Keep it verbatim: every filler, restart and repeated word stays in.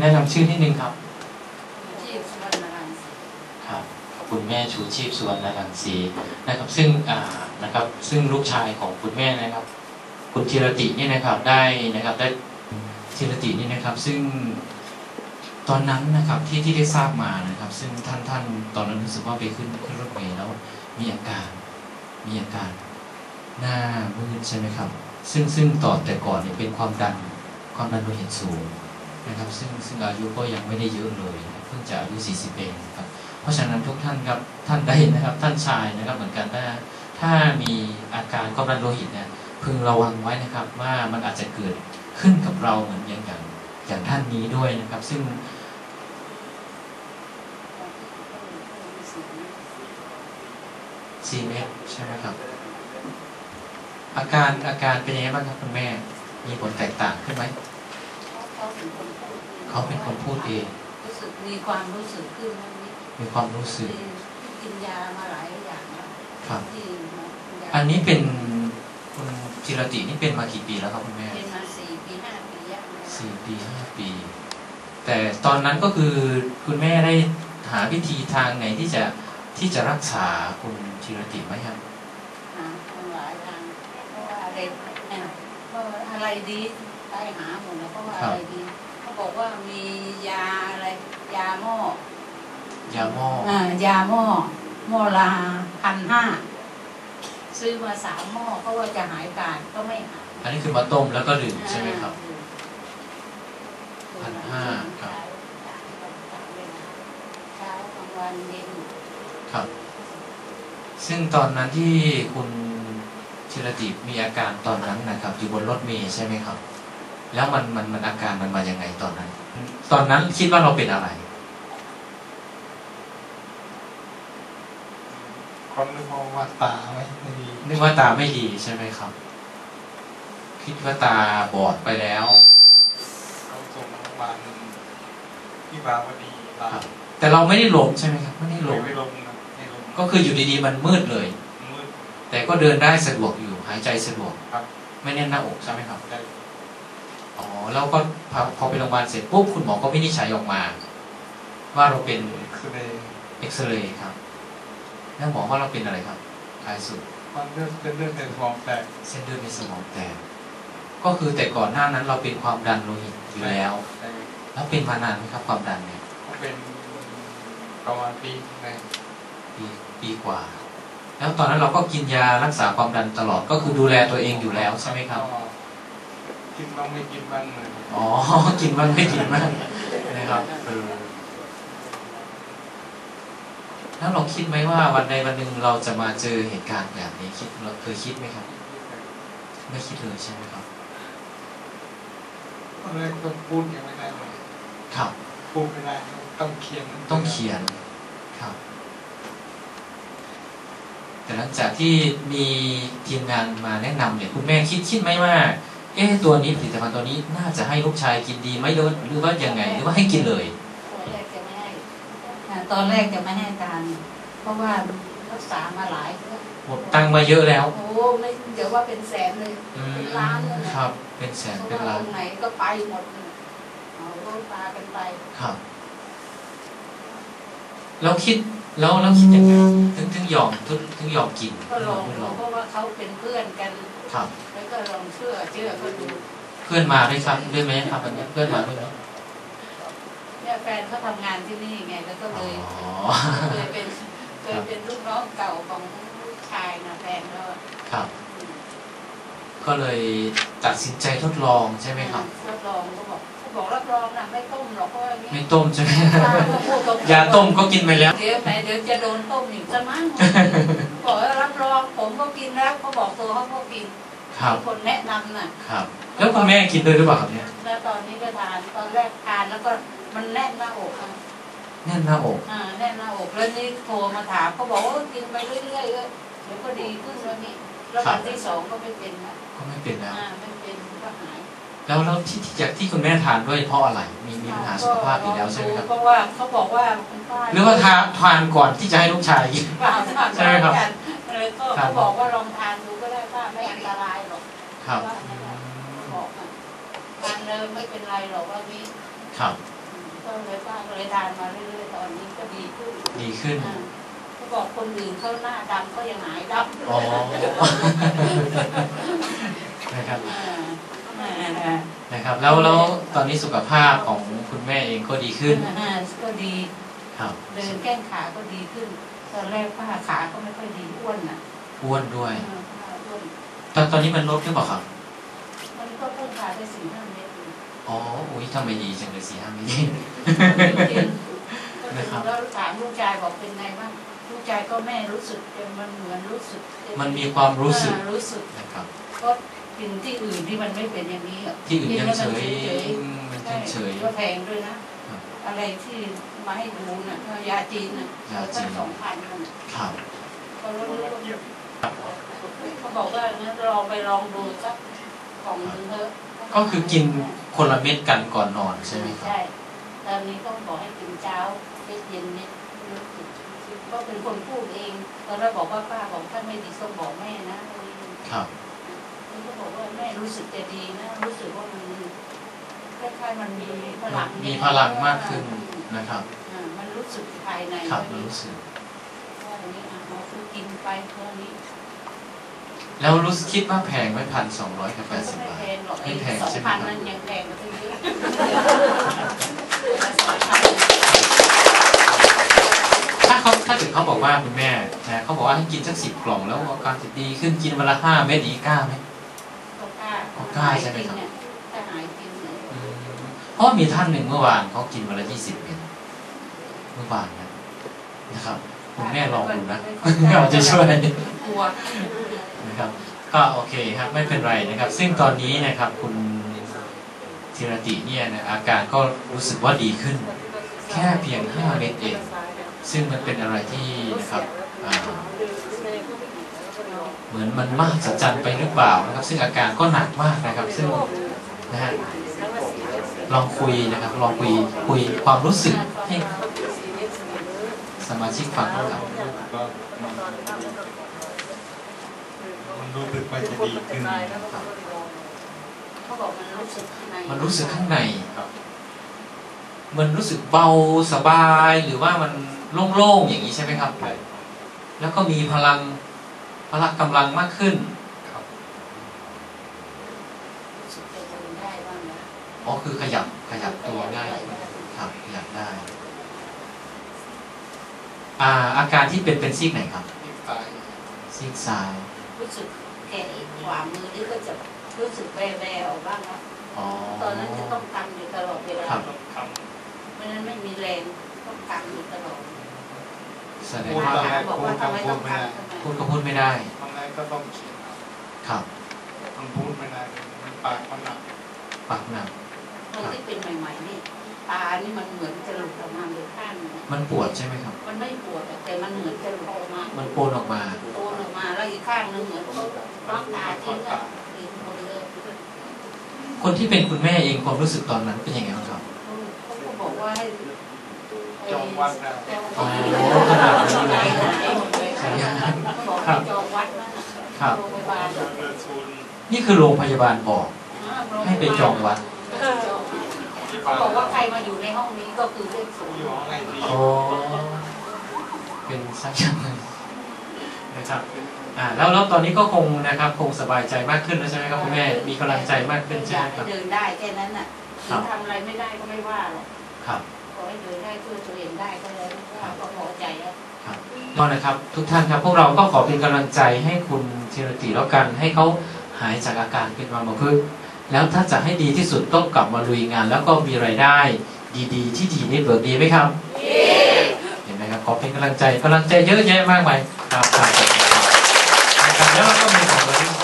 แนะนำชื่อนิดนึงครับชีพสุวรรณรังสีครับคุณแม่ชูชีพสุวรรณรังสีนะครับซึ่งอ่านะครับซึ่งลูกชายของคุณแม่นะครับคุณธีรตินี่นะครับได้นะครับได้ธีรตินี่นะครับซึ่งตอนนั้นนะครับที่ที่ได้ทราบมานะครับซึ่งท่านท่านตอนนั้นรู้สึกว่าไปขึ้นขึ้นรถเมล์แล้วมีอาการมีอาการหน้ามืดใช่ไหมครับซึ่งซึ่งต่อแต่ก่อนเนี่ยเป็นความดันความดันโลหิตสูงนะครับซึ่งซึ่งอายุก็ยังไม่ได้เยอะเลยเพิ่งจะอายุสี่สิบเองครับเพราะฉะนั้นทุกท่านครับท่านใดนะครับท่านชายนะครับเหมือนกันถ้าถ้ามีอาการความดันโลหิตเนี่ยพึงระวังไว้นะครับว่ามันอาจจะเกิดขึ้นกับเราเหมือนอย่างอย่างอย่างท่านนี้ด้วยนะครับซึ่งสี่เมตรใช่ไหมครับอาการอาการเป็นยังไงบ้างครับคุณแม่มีผลแตกต่างขึ้นไหมเขาเป็นคนพูดเองรู้สึกมีความรู้สึกขึ้นมีความรู้สึกกินยามาหลายอย่างแล้วครับอันนี้เป็นคุณธีรตินี่เป็นมากี่ปีแล้วครับคุณแม่เป็นมาสี่ปีห้าปีสี่ปีห้าปีแต่ตอนนั้นก็คือคุณแม่ได้หาวิธีทางไหนที่จะที่จะรักษาคุณธีรติไหมครับหาหลายทางเพราะว่าอะไรเพราะอะไรดีไปหาหมดแล้วเพราะว่าอะไรดีเขาบอกว่ามียาอะไรยาหม้อยาหม้ออ่ายาหม้อหม้อละพันห้าซื้อมาสามหม้อเพราะว่าจะหายการก็ไม่หายอันนี้คือมาต้มแล้วก็ดื่มใช่ไหมครับพันห้าครับเช้ากลางวันเย็นครับซึ่งตอนนั้นที่คุณธีรติมีอาการตอนนั้นนะครับอยู่บนรถเมล์ใช่ไหมครับแล้วมันมันมันอาการมันมายังไงตอนนั้นตอนนั้นคิดว่าเราเป็นอะไรคนนึกว่าตาไม่ดีนึกว่าตาไม่ดีใช่ไหมครับคิดว่าตาบอดไปแล้วเขาส่งโรงพยาบาลที่บางดีแต่เราไม่ได้หลงใช่ไหมครับไม่ได้หลงไม่หลงนะไม่หลงก็คืออยู่ดีๆมันมืดเลยมืดแต่ก็เดินได้สะดวกอยู่หายใจสะดวกครับไม่แน่นหน้าอกใช่ไหมครับได้อ๋อแล้วก็พอพอไปโรงพยาบาลเสร็จปุ๊บคุณหมอก็วินิจฉัยออกมาว่าเราเป็นเอ็กซเรย์เอ็กซเรย์ครับแล้วหมอว่าเราเป็นอะไรครับท้ายสุดมันเลือดเป็นเลือดในสมองแตกเส้นเลือดในสมองแตกก็คือแต่ก่อนหน้านั้นเราเป็นความดันโลหิตอยู่แล้วแล้วเป็นมานานไหมครับความดันเนี่ยก็เป็นประมาณปีนึงปีปีกว่าแล้วตอนนั้นเราก็กินยารักษาความดันตลอดก็คือดูแลตัวเองอยู่แล้วใช่ไหมครับกินบ้างไม่กินบ้างเลยอ๋อกินบ้างไม่กินบ้างนะครับแล้วเราคิดไหมว่าวันใดวันหนึ่งเราจะมาเจอเหตุการณ์แบบนี้คิดเราเคยคิดไหมครับไม่คิดเลยใช่ไหมครับอะไรก็พูดยังไม่ได้เลยครับพูดไม่ได้ต้องเขียนต้องเขียนครับแต่หลังจากที่มีทีมงานมาแนะนำเนี่ยคุณแม่คิดคิดไหมว่าเอ๊ะตัวนี้ผลิตภัณฑ์ตัวนี้น่าจะให้ลูกชายกินดีไหมหรือว่ายังไงหรือว่าให้กินเลยตอนแรกจะไม่ให้ทานเพราะว่ารักษามาหลายหมดตังมาเยอะแล้วโอ้ไม่เดี๋ยวว่าเป็นแสนเลยเป็นล้านเลยครับเป็นแสนเป็นล้านไหนก็ไปหมดเอาโรคตากันไปครับเราคิดแล้วเราคิดยังไงถึงถึงยอมถึงถึงยอมกินก็ลองเพราะว่าเขาเป็นเพื่อนกันครับแล้วก็ลองเชื่อเชื่อก็ดูเพื่อนมาด้วยครับด้วยไหมครับอันนี้เพื่อนมาด้วยไหมเนี่ยแฟนเขาทำงานที่นี่ไงแล้วก็เลยเคยเป็นเคยเป็นลูกน้องเก่าของลูกชายนะแฟนก็ครับก็เลยตัดสินใจทดลองใช่ไหมครับทดลองเขาบอกเขาบอกรับรองนะไม่ต้มหรอกเพราะอย่างนี้ไม่ต้มใช่ไหมยาต้มก็กินไปแล้วเดี๋ยวแม่เดี๋ยวจะโดนต้มอีกซะมั้งบอกว่ารับรองผมก็กินแล้วเขาบอกตัวเขาก็กินคนแนะนำน่ะครับแล้วคุณแม่กินด้วยหรือเปล่าครับเนี่ยแล้วตอนนี้ก็ทานตอนแรกทานแล้วก็มันแน่นหน้าอกแน่นหน้าอกอ่าแน่นหน้าอกแล้วนี่โทรมาถามเขาบอกว่ากินไปเรื่อยๆเดี๋ยวก็ดีขึ้นแล้วนี่แล้ววันที่สองก็ไม่เป็นนะก็ไม่เป็นแล้วอ่าไม่เป็นก็หายแล้วแล้วที่จากที่คุณแม่ทานด้วยเพราะอะไรมีมีปัญหาสุขภาพอยู่แล้วใช่ไหมครับเพราะว่าเขาบอกว่าหรือว่าทานทานก่อนที่จะให้ลูกชายกินใช่ไหมครับเลยก็เขาบอกว่าลองทานดูก็ได้ว่าไม่อันตรายหรอกครับบอกทานเลยไม่เป็นไรหรอกว่านี้ครับก็เลยป้าก็เลยทานมาเรื่อยๆตอนนี้ก็ดีขึ้นดีขึ้นเขาบอกคนอื่นเขาหน้าดำก็ยังหายดำอ๋อ นะครับ นะครับ แล้วแล้วตอนนี้สุขภาพของคุณแม่เองก็ดีขึ้นก็ดีครับเดินแก้งขาก็ดีขึ้น ตอนแรกป้าขาก็ไม่ค่อยดีอ้วนน่ะอ้วนด้วยอ้วนตอนตอนนี้มันลดหรือเปล่าครับมันก็เพิ่มขาได้สี่ห้าเมตรอ๋อ อุ้ยทำไมดีจังเลยสี่ห้าเมตรนะครับแล้วถามลูกชายบอกเป็นไงบ้างลูกชายก็แม่รู้สึกมันเหมือนรู้สึกมันมีความรู้สึกรู้สึกนะครับก็กินที่อื่นที่มันไม่เป็นอย่างนี้ที่อื่นยังเฉยๆมันยังเฉยก็แพงด้วยนะ อะไรที่มาให้ดูน่ะยาจีนน่ะตั้งสองพันน่ะครับเขาลดเขาบอกว่างั้นลองไปลองดูสักกล่องนึงเถอะก็คือกินคนละเม็ดกันก่อนนอนใช่ไหมครับใช่ตอนนี้ต้องบอกให้กินเช้าเย็นนิดก็เป็นคนพูดเองตอนแรกบอกว่าป้าบอกถ้าไม่ดีต้องบอกแม่นะครับมันก็บอกว่าแม่รู้สึกจะดีนะรู้สึกว่ามันคล้ายๆมันมีพลังมีพลังมากขึ้นนะครับมันรู้สึกภายในครับรู้สึกว่าอันนี้เราคือกินไปเท่านี้แล้วรู้สึกคิดว่าแพงไหมพันสองร้อยกับแปดสิบบาทไม่แพงหรอกไอ้สองไม่แพงใช่ไหมพันครับนั้นยังแพงกว่าตั้งเยอะถ้าเขาถ้าถึงเขาบอกว่าคุณแม่นะเขาบอกว่าให้กินสักสิบกล่องแล้วอาการจะดีขึ้นกินวันละห้าเม็ดอีกกล้าไหมก็กล้าก็กล้าใช่ไหมครับถ้าหายกินเนี่ยอืมเพราะมีท่านหนึ่งเมื่อวานเขากินวันละยี่สิบเม็ดเมื่อวานนะนะครับคุณแม่ลองดูนะเราจะช่วยกลัวนะครับก็โอเคครับไม่เป็นไรนะครับ ซึ่งตอนนี้นะครับคุณธีรติเนี่ยนะอาการก็รู้สึกว่าดีขึ้น แค่เพียงห้าเม็ดเองซึ่งมันเป็นอะไรที่นะครับเหมือนมันมากสัจจันไปหรือเปล่านะครับซึ่งอาการก็หนักมากนะครับซึ่งนะฮะลองคุยนะครับลองคุยคุยความรู้สึกให้สมาชิกฟังนะครับก็มันรู้สึกว่าจะดีขึ้นเขาบอกมันรู้สึกข้างในมันรู้สึกข้างในครับมันรู้สึกเบาสบายหรือว่ามันโล่งๆอย่างนี้ใช่ไหมครับแล้วก็มีพลังพละกำลังมากขึ้นครับรู้สึกจะเดินได้บ้างนะอ๋อคือขยับขยับตัวได้ครับขยับได้อ่าอาการที่เป็นเป็นซีกไหนครับที่ตายซีกซ้ายรู้สึกแขนขวามือนี่ก็จะรู้สึกแบๆออกบ้างนะอ๋อตอนนั้นจะต้องกำอยู่ตลอดเวลาครับต้องทเพราะฉะนั้นไม่มีแรงต้องกำอยู่ตลอดแสดงถว่าามบอกว่าทำไมต้องกำพูดก็พูดไม่ได้ำทำไมก็ต้องเขียนเอาครับมันพูดไม่ได้มันปากมันหนักปากหนักตอนที่เป็นใหม่ๆนี่ตานี่มันเหมือนจะหลุดออกมาเลยข้างนึงมันปวดใช่ไหมครับมันไม่ปวดแต่มันเหมือนจะหลุดออกมามันโปนออกมาโตออกมาแล้วอีกข้างนึงเหมือนเขาล็อกตาทิ้งอ่ะทิ้งหมดเลยคนที่เป็นคุณแม่เองความรู้สึกตอนนั้นเป็นยังไงบ้างครับเขาก็บอกว่าให้จองวัดนะโอ้ขนาดนั้นเลยเขาบอกให้จองวัดนั่นน่ะครับโรงพยาบาลจองเรือซูนนี่คือโรงพยาบาลบอกให้ไปจองวัดที่เขาปากบอกว่าใครมาอยู่ในห้องนี้ก็คือเลขศูนย์อยู่ห้องไอซีโอ้เป็นสักอย่างหนึ่งนะครับอ่าแล้วแล้วตอนนี้ก็คงนะครับคงสบายใจมากขึ้นแล้วใช่ไหมครับคุณแม่มีกำลังใจมากขึ้นใช่อไหมยากครัให้บเดินได้แค่นั้นน่ะครัถึบงทำอะไรไม่ได้ก็ไม่ว่าหรอกครับขอให้เดินได้ช่วยตัวเองได้ก็แล้วก็พอใจแล้วครับก็นะครับทุกท่านครับพวกเราก็ขอเป็นกำลังใจให้คุณธีรติแล้วกันให้เขาหายจากอาการเป็นอัมพฤกษ์แล้วถ้าจะให้ดีที่สุดต้องกลับมาลุยงาน แล้วก็มีรายได้ดีๆ ที่ดีนี่เบิกดีไหมครับเห็นไหมครับขอเป็นกำลังใจกำลังใจเยอะแยะมากมายครับครับแล้วเราก็มีของเรา